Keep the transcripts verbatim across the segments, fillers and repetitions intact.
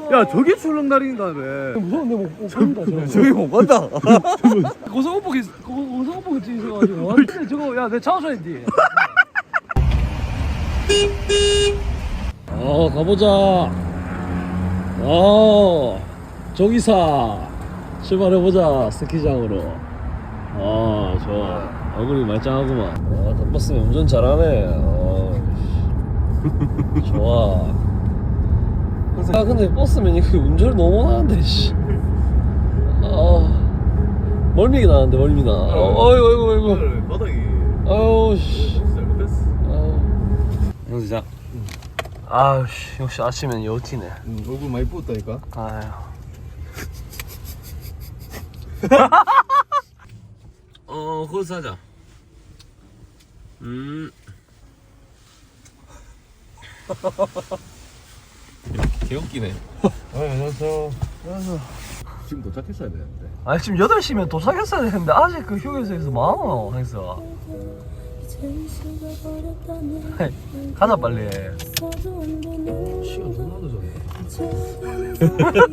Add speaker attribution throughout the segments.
Speaker 1: 야 저기 출렁다린다며.
Speaker 2: 무서운데 못 간다 저거.
Speaker 1: 저기 못 간다.
Speaker 2: 고성호복이 고성호복이 찍어가지고. 근데 저거 야 내 차우선인데. 어 가보자. 어 조기사 출발해보자 스키장으로. 아 좋아. 얼굴이 말짱하구만. 아 덕버스면 운전 잘하네. 어 좋아. 아 근데 버스면 이거 운전을 너무 하는데 씨. 아 멀미가 나는데 멀미나. 어, 어이구 어이구 어이구.
Speaker 1: 바닥이.
Speaker 2: 아유 씨.
Speaker 1: 잘못했어.
Speaker 2: 영수장. 아유 씨 역시 아침엔 여티네.
Speaker 1: 응, 얼굴 많이 부었다니까.
Speaker 2: 아유. 어 거기서 하자. 음. 개웃기네.
Speaker 1: 아 안녕하세요. 안녕하세요. 지금 도착했어야 되는데.
Speaker 2: 아 지금 여덟 시면 도착했어야 되는데 아직 그 휴게소에서 뭐하노 했어. 가자 빨리.
Speaker 1: 시간 너무 늦었네.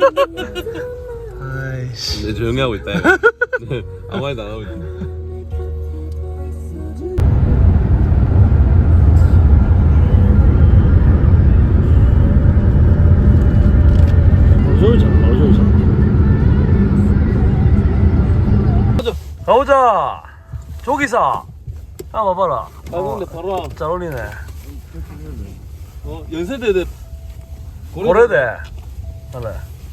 Speaker 2: 아이씨.
Speaker 3: 내 조용히 하고 있다. 네, 아무 말도 안 하고 있다.
Speaker 2: 어쩌자 어쩌자. 가보자. 조기사. 아 봐봐라.
Speaker 3: 아 근데 바로 와.
Speaker 2: 잘 어울리네.
Speaker 3: 어 연세대대
Speaker 2: 고래대. 그래.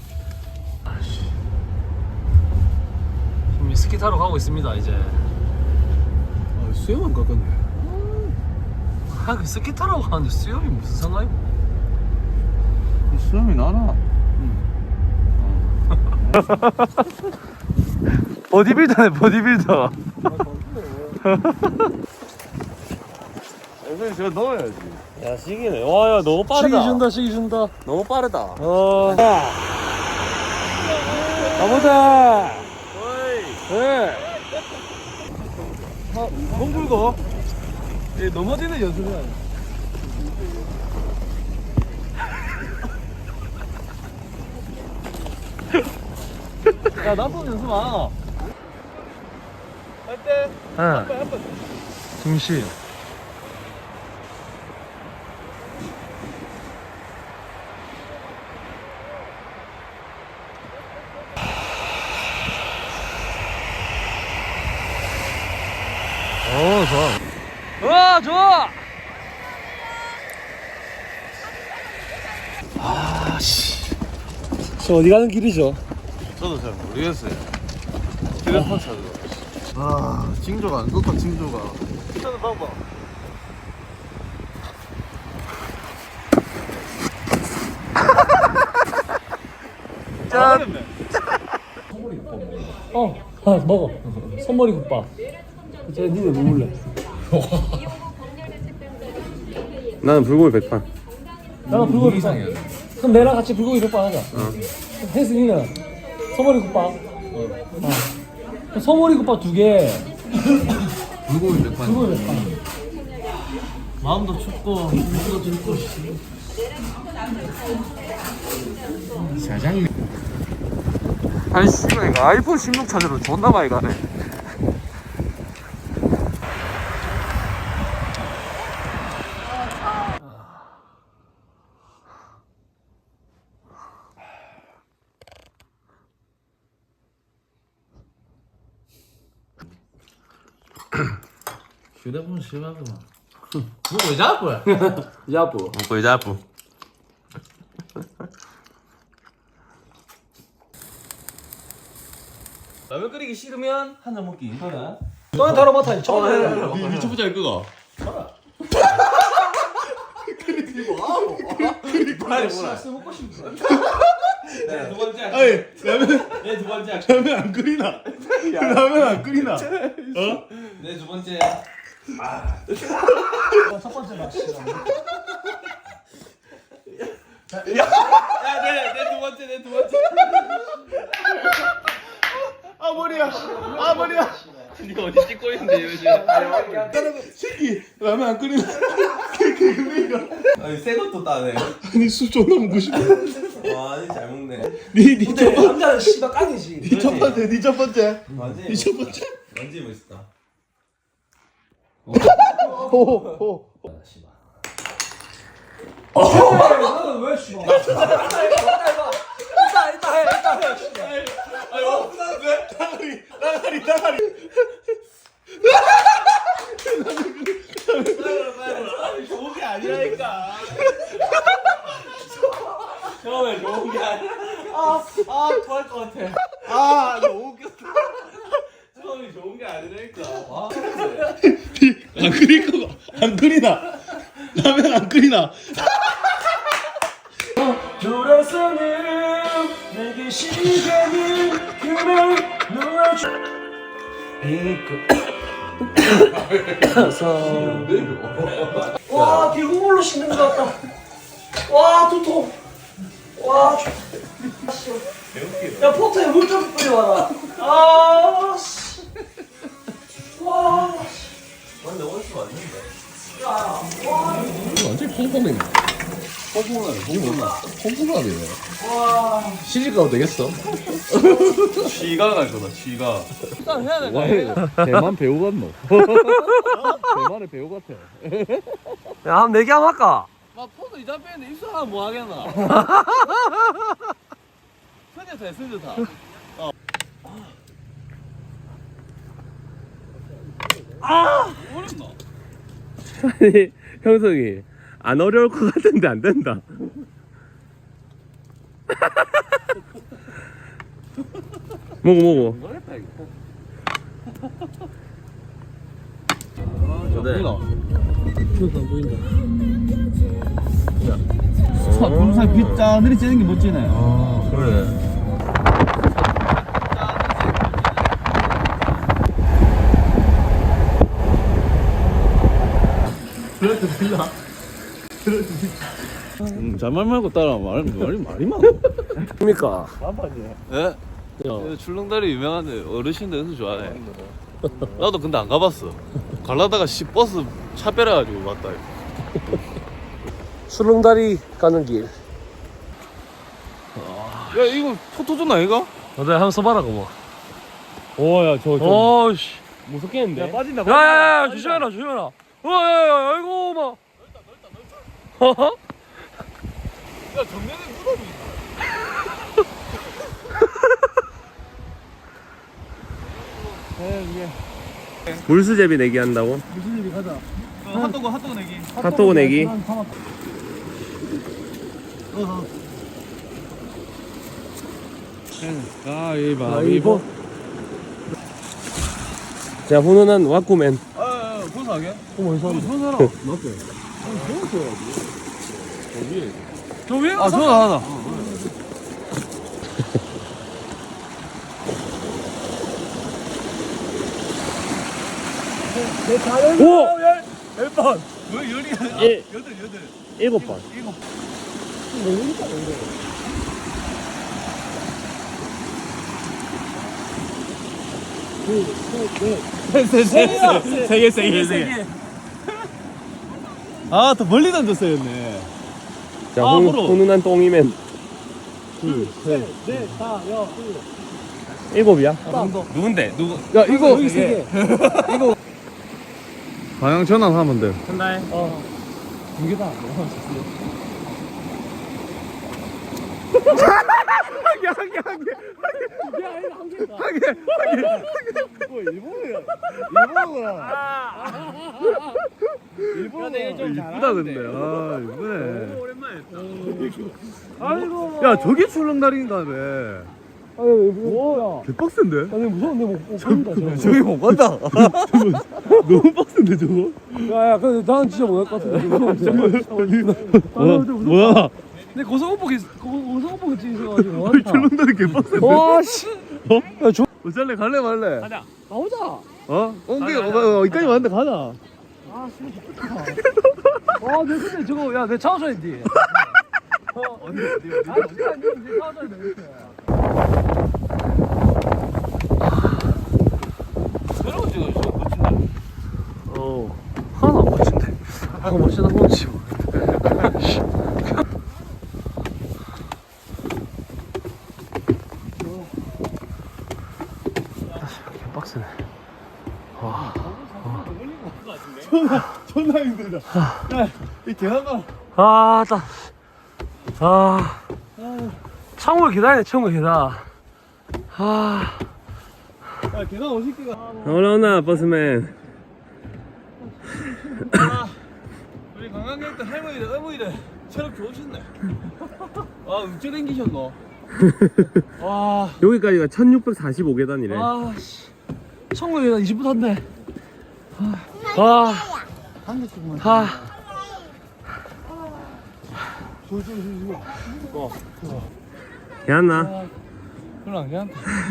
Speaker 2: 지금 스키 타러 가고 있습니다 이제.
Speaker 1: 아 수염 안 깎았네.
Speaker 2: 아, 그 스키 타러 가는데 수염이 무슨 상관이?
Speaker 1: 수염이 나나?
Speaker 2: 보디빌더네 보디빌더.
Speaker 1: 선생님 제가 넣어야지.
Speaker 3: 야 시기네. 와야 너무
Speaker 2: 시기
Speaker 3: 빠르다.
Speaker 2: 준다 시기 준다.
Speaker 3: 너무 빠르다.
Speaker 2: 어. 가보자. 네.
Speaker 1: 공 불고.
Speaker 2: 예, 넘어지는 연습이야. 야 나쁜 연습 안.
Speaker 1: 할 때.
Speaker 2: 응.
Speaker 1: 한번
Speaker 2: 중심. 오 좋아. 와 좋아. 아씨. 저 어디 가는 길이죠?
Speaker 1: 저도 잘 모르겠어요. 휴대폰 찾으러. 아 징조가 안 좋다 징조가. 저는 봐봐.
Speaker 2: 짠. 어, 아, 먹어. 손머리 국밥. 저 니네 뭐 먹을래?
Speaker 3: 나는 불고기 백판.
Speaker 2: 나는 불고기 국밥. 그럼 내랑 같이 불고기 국밥 하자. 혜승이는 손머리 국밥. 어. 그럼 손머리 국밥 두 개.
Speaker 1: 불고기 백반.
Speaker 2: 불고기 백반. 마음도 춥고 눈도 춥고.
Speaker 1: 사장님.
Speaker 3: 아니 씨발 이거 아이폰 십육 찾으러 존나 많이 가네.
Speaker 1: 휴대폰 심하구만. 뭐 왜 잡고?
Speaker 2: 야부.
Speaker 3: 거의 잡부. 라면 끓이기 싫으면 한 잔 먹기. 그래.
Speaker 2: 너는 다뤄 맡아. 처음 해.
Speaker 3: 니 유튜브 잘 끄고.
Speaker 2: 빨리 먹고 싶어.
Speaker 3: 네, 두 번째.
Speaker 1: 아니 라면
Speaker 3: 네, 두 번째.
Speaker 1: 라면 안 끓이나? 라면 안 끓이나? 어?
Speaker 3: 네, 두 번째.
Speaker 2: 첫 번째 맛.
Speaker 3: 야, 네, 네, 두 번째, 네, 두 번째.
Speaker 1: 아 머리야. 아 머리야.
Speaker 3: 니 어디 찍고 있는데 요즘?
Speaker 1: 따라가 새끼 라면 안 끓이나? 그 그니까
Speaker 3: 아니 새 것도 따네.
Speaker 1: 아니 술 존나 먹고 싶어.
Speaker 3: 와.
Speaker 4: 아, 잘 먹네.
Speaker 2: 근데 남자는 씨발 깡이지.
Speaker 1: 니 첫 번째, 니 첫 번째.
Speaker 4: 완전히
Speaker 1: 니 첫 번째.
Speaker 4: 완전히 멋있다.
Speaker 1: 호호.
Speaker 2: 너는 왜 씨발? 일단 일단 해 일단 해 씨발.
Speaker 1: 나가리, 나가리, 나가리. 좋은 게 아니라니까.
Speaker 4: 처음에 좋은 게 아니야.
Speaker 1: 아, 아, 토할 것 같아. 아, 너무 웃겼다.
Speaker 4: 처음이 좋은 게 아니라니까. 와.
Speaker 1: 안 끓일 거가 안 끓이나? 라면 안 끓이나?
Speaker 2: 돌아서는 내게 시간이 그날 놓아줘. 와, 개구물로 씻는 것 같다. 와, 두통. 와, 야, 포트에 물 좀 뿌려와라. 아, 씨. 와,
Speaker 4: 근데 원수 맞는데.
Speaker 1: 완전 퐁퐁이네. 퐁퐁하네, 퐁퐁하. 퐁퐁하네. 시집 가도 되겠어?
Speaker 4: 쥐가 갈 거다. 쥐가.
Speaker 1: 대만 배우 같노? 대만의 배우 같아.
Speaker 2: 야, 한 네 개 한번 할까?
Speaker 4: 막 포도 이자 빼는데 입술하면 뭐 하겠나? 스녀타 스녀타. 어렵나?
Speaker 5: 아니 형석이 안 어려울 것 같은데 안 된다. 먹어 먹어.
Speaker 4: 어렵다 이거.
Speaker 5: 네.
Speaker 2: 이것도 안 보인다.
Speaker 1: 동사 빗자 느리 째는 게 멋지네.
Speaker 5: 아 그래.
Speaker 1: 그래도 빌라. 그래도
Speaker 5: 음, 잘말 말고 따라 말 말이 말이 많아.
Speaker 2: 그러니까.
Speaker 4: 예? 출렁다리 유명한데 어르신들 연수 좋아해. 나도 근데 안 가봤어. 갈라다가 씨 버스 차 빼려가지고 왔다.
Speaker 2: 수렁다리 가는 길.
Speaker 4: 야 이거 포토존 아이가?
Speaker 2: 너네 한번 써봐라 그거.
Speaker 5: 오야 저 저.
Speaker 2: 어씨.
Speaker 5: 무섭겠는데.
Speaker 2: 야 빠진다. 야야야 조심해라 조심해라. 어야야 아이고 막.
Speaker 4: 야 정면에 무덤이 있다.
Speaker 5: 물수제비 내기 한다고?
Speaker 2: 무슨 일이 가자.
Speaker 1: 핫도그 핫도그 내기.
Speaker 5: 핫도그 내기.
Speaker 2: 가위바위보.
Speaker 5: 자 훈훈한 와꾸맨.
Speaker 1: 아, 본사하게?
Speaker 2: 어머 이상.
Speaker 1: 본 사람. 맞대.
Speaker 2: 저 위에
Speaker 1: 아, 저거 하나.
Speaker 5: 오.
Speaker 1: 몇 번? 왜 열이?
Speaker 5: 일.
Speaker 1: 여덟, 여덟.
Speaker 5: 일곱 번.
Speaker 1: 일곱.
Speaker 5: 세개 세 개 세 개.
Speaker 1: 아, 더 멀리 던졌어였네.
Speaker 5: 자
Speaker 1: 아,
Speaker 5: 훈,
Speaker 1: 물어.
Speaker 5: 훈훈한 똥이맨.
Speaker 2: 넷, 다, 여, 일곱.
Speaker 5: 일곱이야?
Speaker 4: 누군데? 누구?
Speaker 1: 야, 이거.
Speaker 2: 여기 세 개.
Speaker 1: 방향 전환하면 돼.
Speaker 5: 한달.
Speaker 2: 어. 두 개다. 이게 아니라 한 개다.
Speaker 1: 뭐, 일본어야. 일본어야. 일본어.
Speaker 5: 이쁘다 근데. 아 이쁘네.
Speaker 2: 아이고.
Speaker 1: 야, 저게 출렁다리인가네.
Speaker 2: 아유 뭐야?
Speaker 1: 개빡센데?
Speaker 2: 아니 무서운데 못, 못 간다 저거.
Speaker 1: 저기 못 간다. 너무 빡센데, 저거?
Speaker 2: 야야 근데 나는 진짜 못할 것 같은데.
Speaker 1: 뭐야? 뭐야?
Speaker 2: 근데 고성호복이 고성호복이 찍으셔가지고 왔다.
Speaker 1: 출렁다리 개빡센데?
Speaker 2: 와 씨.
Speaker 1: 어?
Speaker 2: 야 저.
Speaker 1: 어쩔래? 갈래 말래?
Speaker 2: 가자. 아,
Speaker 1: 어? 엉덩이, 어, 어, 여기까지 왔는데 가자.
Speaker 2: 아 진짜 좋다. 와, 내 근데 저거 야 내 차워줘야지. 어 어디 어디 어디. 아 진짜 안 돼. 내 차워줘야 돼 이렇게.
Speaker 4: 새로운 지금 좀 멋진데.
Speaker 2: 어 하나 안 멋진데. 아 멋지다 멋지. 버스네. 와.
Speaker 1: 존나 힘들다. 야, 이 계단가.
Speaker 2: 아, 따. 아. 창문 계단이네, 창문 계단. 아.
Speaker 1: 야, 계단 오십 개가.
Speaker 5: 올라오나 버스맨.
Speaker 1: 우리 관광객들 할머니들, 어머니들 체력 좋으셨네. 아, 어째 댕기셨노? 와,
Speaker 5: 여기까지가 천육백사십오 계단이래.
Speaker 2: 아, 씨. 창문 계단 이십 분 탔네. 아.
Speaker 1: 한 개씩만.
Speaker 2: 아.
Speaker 5: 괜찮나?
Speaker 2: 그럼 그냥.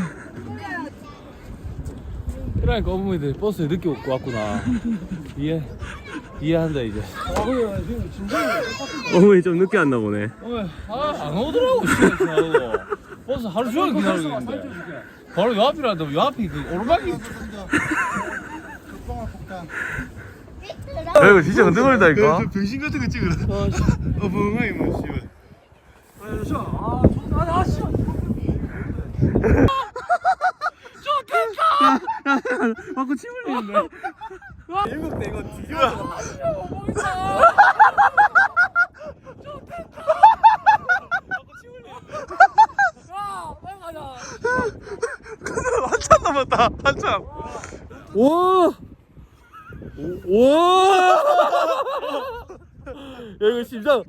Speaker 2: 그러니까 어머니들 버스에 늦게 오고 왔구나. 이해 이해한다 이제. 아 그래 지금 진짜.
Speaker 5: 어머니 좀 늦게 왔나 보네.
Speaker 2: 아안 오더라고 시간 지나고. 버스 하루 종일 기다리고 있는데. 바로 요 앞이라도 요 앞이 그 오르막이.
Speaker 4: 야 이거 진짜 흔들거린다니까.
Speaker 1: 병신 같은 거 찍으라. 어벙하게 뭐 씨발.
Speaker 2: 아 좋다. 아 씨.
Speaker 5: 자꾸 침 흘리는데.
Speaker 1: 일곱 대 이거 뒤집어.
Speaker 4: 한참 남았다. 한참.
Speaker 5: 와. 와. 야 이거 심장.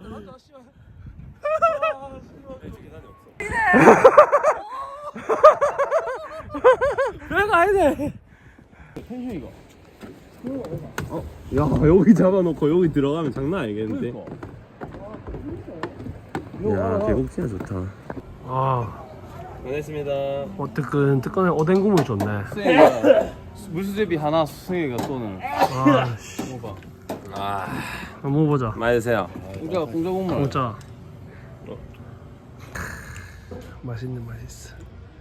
Speaker 2: 별거 아니네.
Speaker 5: 야 여기 잡아놓고 여기 들어가면 장난 아니겠는데. 야 계곡 진짜 좋다.
Speaker 2: 아,
Speaker 5: 고생했습니다.
Speaker 2: 어 뜨끈 뜨끈해. 오뎅 국물 좋네.
Speaker 4: 승희가 물수제비 하나 승희가 쏘는.
Speaker 2: 아, 씨.
Speaker 4: 먹어봐.
Speaker 5: 아
Speaker 2: 한번 먹어보자.
Speaker 5: 많이 드세요.
Speaker 4: 공짜 공짜 국물.
Speaker 2: 진짜. 맛있는 맛 있어.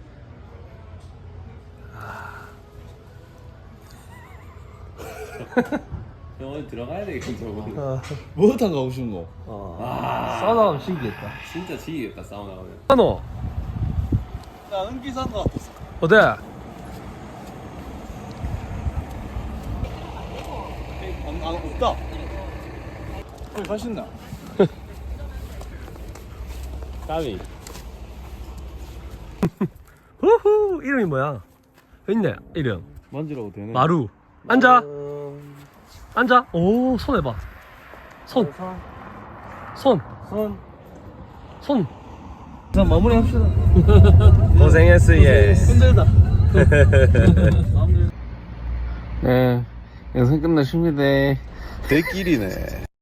Speaker 5: 병원 들어가야 되겠군 저거.
Speaker 2: 아,
Speaker 4: 뭐탕 가고 싶은 거?
Speaker 2: 싸다 하면 신기했다.
Speaker 5: 진짜 지기겠다 사우나 가면.
Speaker 2: 너
Speaker 4: 나는 기사가.
Speaker 2: 어때?
Speaker 4: 안, 안 없다. 거기 가신다.
Speaker 5: 까미.
Speaker 2: 후후 이름이 뭐야? 있네 이름.
Speaker 4: 만지라고 되네.
Speaker 2: 마루. 앉아. 앉아. 오, 손 해봐. 손. 손.
Speaker 4: 손.
Speaker 2: 손.
Speaker 4: 자 마무리 합시다.
Speaker 5: 고생했어 예.
Speaker 4: 힘들다. 네, 영상 끝났습니다. 대길이네.